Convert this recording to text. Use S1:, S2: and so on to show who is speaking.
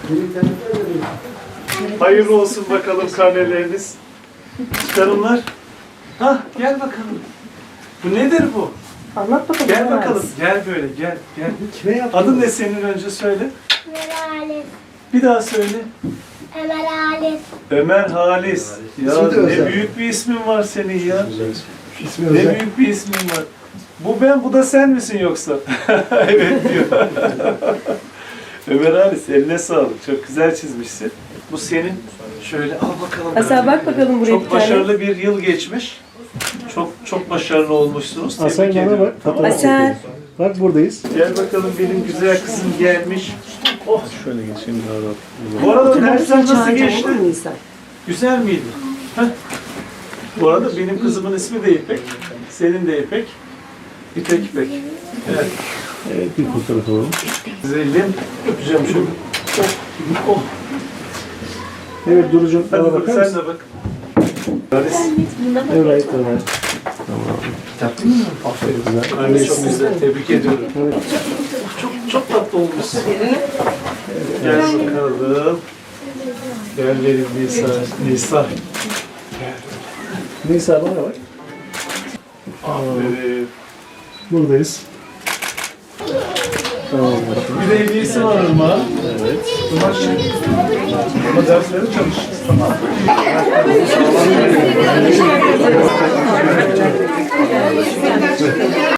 S1: Hayırlı olsun bakalım karneleriniz. Çıkarımlar. Hah, gel bakalım. Bu nedir bu?
S2: Anlat bakalım.
S1: Gel bakalım. Gel böyle, gel.
S3: Kime yaptın?
S1: Adın ne senin, önce söyle.
S4: Ömer Halis.
S1: Bir daha söyle.
S4: Ömer Halis.
S1: Ömer Halis. Ya
S3: İsmi de
S1: ne
S3: özel.
S1: büyük bir ismin var senin ya.
S3: İsmi
S1: Ne
S3: özel.
S1: büyük bir ismin var. Bu ben, bu da sen misin yoksa? Evet diyor. Ömer Halis, eline sağlık. Çok güzel çizmişsin. Bu senin. Şöyle al bakalım.
S2: Hasan bak bakalım buraya bir
S1: Çok
S2: tane.
S1: başarılı bir yıl geçmiş. Çok başarılı olmuşsunuz.
S3: Hasan
S1: Tebrik
S3: bana
S1: ediyorum.
S3: bak. Fotoğraf
S2: Hasan.
S3: çekelim. Bak buradayız.
S1: Gel bakalım, benim güzel kızım gelmiş. Oh.
S3: Şöyle geçeyim daha rahat.
S1: Bu arada dersler nasıl
S2: Çağıracağım,
S1: geçti?
S2: olur mu Nisa?
S1: Güzel miydi? Heh. Bu arada benim kızımın ismi de İpek. Senin de İpek. İpek. Evet.
S3: Evet, bir fotoğraf alalım.
S1: Güzelim. Öpeceğim şöyle. Oh. Oh.
S3: Evet Duru'cum
S1: Hadi
S3: bana
S1: bak,
S3: bakar
S1: sen
S3: mısın?
S1: de bak. Halis.
S3: Evet, evet.
S1: Aferin. Anne çok güzel. Tebrik ediyorum.
S3: Evet.
S1: Çok tatlı olmuşsun. Gel bakalım. Gel verin Nisa.
S3: Nisa bana bak.
S1: Aferin.
S3: Buradayız. Tamam.
S1: Bir de hediyesi var Irmak'a.
S3: Evet.
S1: Irmak şimdi. Ama dersleri çalışacağız. Tamam.